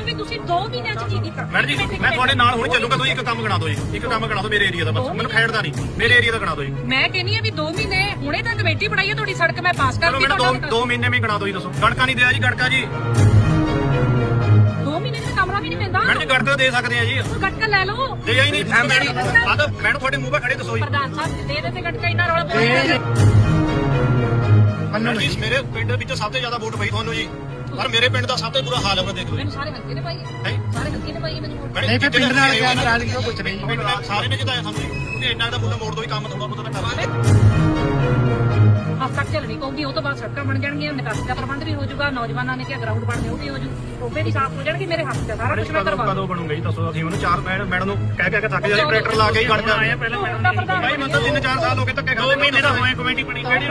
ਵੀ ਤੁਸੀਂ 2 ਮਹੀਨਿਆਂ ਚ ਕੀ ਕੀਤਾ? ਮੈਡਮ ਜੀ ਮੈਂ ਤੁਹਾਡੇ ਨਾਲ ਹੁਣ ਚੱਲੂਗਾ, ਤੁਸੀਂ ਇੱਕ ਕੰਮ ਗਣਾ ਦਿਓ ਜੀ, ਇੱਕ ਕੰਮ ਗਣਾ ਦਿਓ ਮੇਰੇ ਏਰੀਆ ਦਾ, ਬਸ ਮੈਨੂੰ ਖੇਡਦਾ ਨਹੀਂ, ਮੇਰੇ ਏਰੀਆ ਦਾ ਗਣਾ ਦਿਓ ਜੀ। ਮੈਂ ਕਹਿੰਨੀ ਆ ਵੀ 2 ਮਹੀਨੇ ਹੁਣੇ ਤਾਂ ਕਮੇਟੀ ਬਣਾਈ ਹੈ ਤੁਹਾਡੀ ਸੜਕ ਮੈਂ ਪਾਸ ਚਲੋ ਕਰਤੀ। ਮੈਨੂੰ 2 ਮਹੀਨੇ ਵੀ ਗਣਾ ਦਿਓ ਜੀ, ਦੱਸੋ ਗੜਕਾ ਨਹੀਂ ਦਿਆ ਜੀ, ਗੜਕਾ ਜੀ 2 ਮਹੀਨੇ ਦਾ ਕਮਰਾ ਵੀ ਨਹੀਂ ਪੈਂਦਾ। ਮੈਡਮ ਜੀ ਗੜਕਾ ਦੇ ਸਕਦੇ ਆ ਜੀ, ਗਟਕਾ ਲੈ ਲਓ। ਦੇ ਹੀ ਨਹੀਂ ਮੈਡਮ, ਆ ਤਾਂ ਮੈਡਮ ਤੁਹਾਡੇ ਮੂੰਹ 'ਤੇ ਖੜੇ ਦੱਸੋ ਜੀ। ਪ੍ਰਧਾਨ ਸਾਹਿਬ ਦੇ ਦੇ ਗਟਕਾ ਇੰਨਾ ਰੌਲਾ ਪਾਉਂਦੇ। ਮੈਡਮ ਜੀ ਮੇਰੇ ਪਿੰਡ ਵਿੱਚ ਸਭ ਤੋਂ ਜ਼ਿਆਦਾ ਵੋਟ ਪਈ ਤੁਹਾਨੂੰ ਜੀ, ਪਰ ਮੇਰੇ ਪਿੰਡ ਦਾ ਸਭ ਤੋਂ ਬੁਰਾ ਹਾਲ ਹੈ, ਦੇਖ ਲਓ। ਮੈਨੂੰ ਸਾਰੇ ਹਲਕੇ ਨੇ ਪਾਈ ਹੈ, ਸਾਰੇ ਹਲਕੇ ਨੇ ਪਾਈ ਹੈ ਮੈਨੂੰ ਵੋਟ। ਨਹੀਂ ਫਿਰ ਪਿੰਡ ਨਾਲ ਕਿਆ ਨਾਰਾਜ਼ਗੀ ਉਹ ਪੁੱਛ ਰਹੀ ਹੈ, ਸਾਰੇ ਨੇ ਜਿਤਾਇਆ ਸਾਨੂੰ ਜੀ, ਕਿਉਂਕਿ ਇੰਨਾ ਦਾ ਮੁੱਲਾ ਮੋੜ ਦੋ ਹੀ ਕੰਮ ਥੋੜਾ ਬਹੁਤਾ ਤਾਂ ਕਰ ਹੱਦ ਤੱਕ ਚੱਲਣੀ ਪਊਗੀ, ਉਹ ਤੋਂ ਬਾਅਦ ਸੜਕਾਂ ਬਣ ਜਾਣਗੀਆਂ, ਨਿਕਾਸੀ ਦਾ ਪ੍ਰਬੰਧ ਵੀ ਹੋ ਜਾਊਗਾ, ਨੌਜਵਾਨਾਂ ਨੇ ਕਿਹਾ ਗਰਾਊਂਡ ਬਣਨੇ ਉਹ ਵੀ ਹੋ ਜੂ, ਟੋਬੇ ਵੀ ਸਾਫ਼ ਹੋ ਜਾਣਗੇ, ਮੇਰੇ ਹੱਥ 'ਚ ਸਾਰਾ ਕੁਝ ਮੈਂ ਕਰਵਾ ਦੂੰ। ਕਦੋਂ ਬਣੂਗਾ ਜੀ ਦੱਸੋ? ਅਸੀਂ ਉਹਨੂੰ 4 ਮੈਡਮ ਨੂੰ ਕਹਿ ਕੇ ਥੱਕ ਜਾਂਦੇ, ਟਰੈਕਟਰ ਲਾ ਕੇ ਹੀ ਗੜ ਜਾਂਦੇ ਆ ਪਹਿਲਾਂ ਮੈਡਮ। ਭਾਈ ਮਤਲਬ 3-4 ਸਾਲ ਹੋ ਗਏ ਧੱਕੇ ਖਾਂਦੇ, ਮਹੀਨੇ ਦਾ ਹੋਏ ਕਮੇਟੀ ਬਣੀ ਕਿਹੜੀ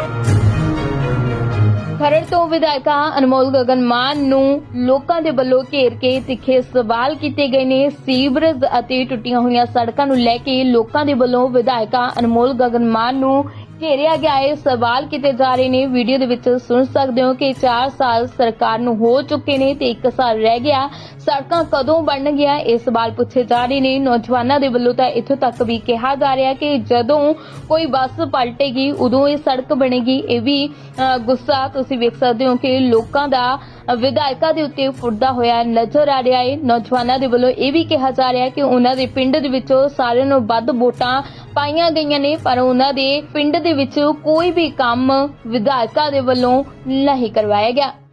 ਖਰੜ ਤੋਂ ਵਿਧਾਇਕਾ ਅਨਮੋਲ ਗਗਨ ਮਾਨ ਨੂੰ ਲੋਕਾਂ ਦੇ ਵੱਲੋਂ ਘੇਰ ਕੇ ਤਿੱਖੇ ਸਵਾਲ ਕੀਤੇ ਗਏ ਨੇ। ਸੀਵਰੇਜ ਅਤੇ ਟੁੱਟੀਆਂ ਹੋਈਆਂ ਸੜਕਾਂ ਨੂੰ ਲੈ ਕੇ ਲੋਕਾਂ ਦੇ ਵੱਲੋਂ ਵਿਧਾਇਕਾ ਅਨਮੋਲ ਗਗਨ ਮਾਨ ਨੂੰ ਘੇਰਿਆ ਗਿਆ ਹੈ, ਸਵਾਲ ਕੀਤੇ ਜਾ ਰਹੇ ਨੇ। ਵੀਡੀਓ ਦੇ ਵਿੱਚ ਸੁਣ ਸਕਦੇ ਹੋ ਕਿ 4 ਸਾਲ ਸਰਕਾਰ ਨੂੰ ਹੋ ਚੁੱਕੇ ਨੇ ਤੇ 1 ਸਾਲ ਰਹਿ ਗਿਆ, ਸੜਕਾਂ ਕਦੋਂ ਬਣਨਗੀਆਂ, ਇਹ ਸਵਾਲ ਪੁੱਛੇ ਜਾ ਰਹੇ ਨੇ। ਨੌਜਵਾਨਾਂ ਦੇ ਵੱਲੋਂ ਤਾਂ ਇੱਥੋਂ ਤੱਕ ਵੀ ਕਿਹਾ ਜਾ ਰਿਹਾ ਕਿ ਜਦੋਂ ਕੋਈ ਬੱਸ ਪਲਟੇਗੀ ਉਦੋਂ ਇਹ ਸੜਕ ਬਣੇਗੀ। ਇਹ ਵੀ ਗੁੱਸਾ ਤੁਸੀਂ ਵੇਖ ਸਕਦੇ ਹੋ ਕਿ ਲੋਕਾਂ ਦਾ ਵਿਧਾਇਕਾਂ ਦੇ ਉੱਤੇ ਫੁੱਟਦਾ ਹੋਇਆ ਨਜ਼ਰ ਆ ਰਿਹਾ ਹੈ। ਨੌਜਵਾਨਾਂ ਦੇ ਵੱਲੋਂ ਇਹ ਵੀ ਕਿਹਾ ਜਾ ਰਿਹਾ ਕਿ ਉਹਨਾਂ ਦੇ ਪਿੰਡ ਦੇ ਵਿੱਚੋਂ ਸਾਰਿਆਂ ਨੂੰ ਵੱਧ ਵੋਟਾਂ ਪਾਈਆਂ ਗਈਆਂ ਨੇ, ਪਰ ਉਹਨਾਂ ਦੇ ਪਿੰਡ ਦੇ ਵਿੱਚ ਕੋਈ ਵੀ ਕੰਮ ਵਿਧਾਇਕਾਂ ਦੇ ਵੱਲੋਂ ਨਹੀਂ ਕਰਵਾਇਆ ਗਿਆ।